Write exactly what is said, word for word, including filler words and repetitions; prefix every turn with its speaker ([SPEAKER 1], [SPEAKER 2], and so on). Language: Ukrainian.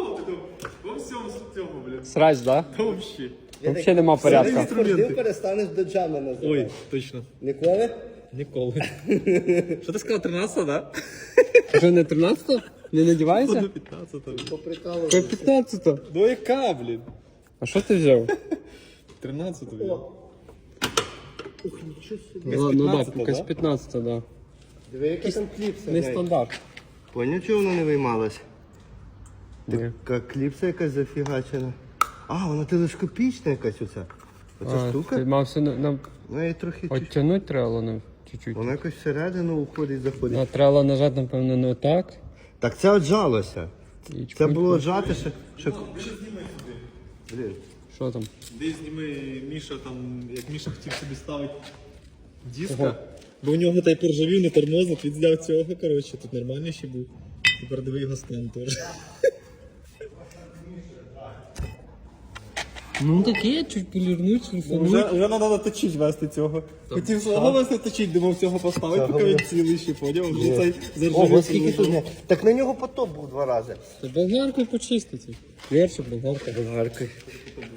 [SPEAKER 1] всього, во всьому цьому, блядь.
[SPEAKER 2] Срач, да?
[SPEAKER 1] Та вообще.
[SPEAKER 2] Взагалі нема порядку.
[SPEAKER 3] Ти перестанеш доджами називати.
[SPEAKER 1] Ой, точно.
[SPEAKER 3] Ніколи?
[SPEAKER 1] Ніколи. Що ти сказав, тринадцята, да?
[SPEAKER 2] Вже не тринадцятого? Не надівається?
[SPEAKER 1] До п'ятнадцятого.
[SPEAKER 2] По
[SPEAKER 3] Поприкалував.
[SPEAKER 2] п'ятнадцятого.
[SPEAKER 1] Ну яка, блін?
[SPEAKER 2] А що ти взяв?
[SPEAKER 1] тринадцятого, блін.
[SPEAKER 3] Ух, нічого собі.
[SPEAKER 2] Ну, ну так,
[SPEAKER 1] п'ятнадцятого,
[SPEAKER 2] якась
[SPEAKER 1] да?
[SPEAKER 2] п'ятнадцята, да.
[SPEAKER 3] Диви, який там кліпса.
[SPEAKER 2] Не
[SPEAKER 3] блядь.
[SPEAKER 2] стандарт.
[SPEAKER 3] Поняв, чого вона не виймалась?
[SPEAKER 2] Ні.
[SPEAKER 3] Така кліпса якась зафігачена. А, вона телескопічна якась оця. Оця
[SPEAKER 2] А,
[SPEAKER 3] штука.
[SPEAKER 2] ти мався на- нам
[SPEAKER 3] Ну, її трохи... чуть-
[SPEAKER 2] оттягнути треба нам чуть-чуть.
[SPEAKER 3] Вона якось всередину уходить, заходить.
[SPEAKER 2] А треба нажати, напевно, не отак.
[SPEAKER 3] Так це отжалося.
[SPEAKER 2] І
[SPEAKER 3] Це
[SPEAKER 2] чпунь.
[SPEAKER 3] було отжати, ще... ще... Блін.
[SPEAKER 2] Що там?
[SPEAKER 1] Де зніми Міша там, як Міша хотів собі ставити диска.
[SPEAKER 2] Ого.
[SPEAKER 1] Бо у нього той поржавів, не тормозив, він зняв цього, коротше, тут нормально ще був. Тепер диви його стан теж.
[SPEAKER 2] Ну таке, чуть полірнуть, шліфануть.
[SPEAKER 1] Вже, вже треба точить вести цього. Хотів свого вести точить, думав цього поставити, поки він цілий ще, поняв? Вже цей заржавів.
[SPEAKER 3] Ого, скільки тут не... Так на нього потоп був два рази.
[SPEAKER 2] Та болгаркою почистити. Перше болгарка.
[SPEAKER 3] Болгаркою.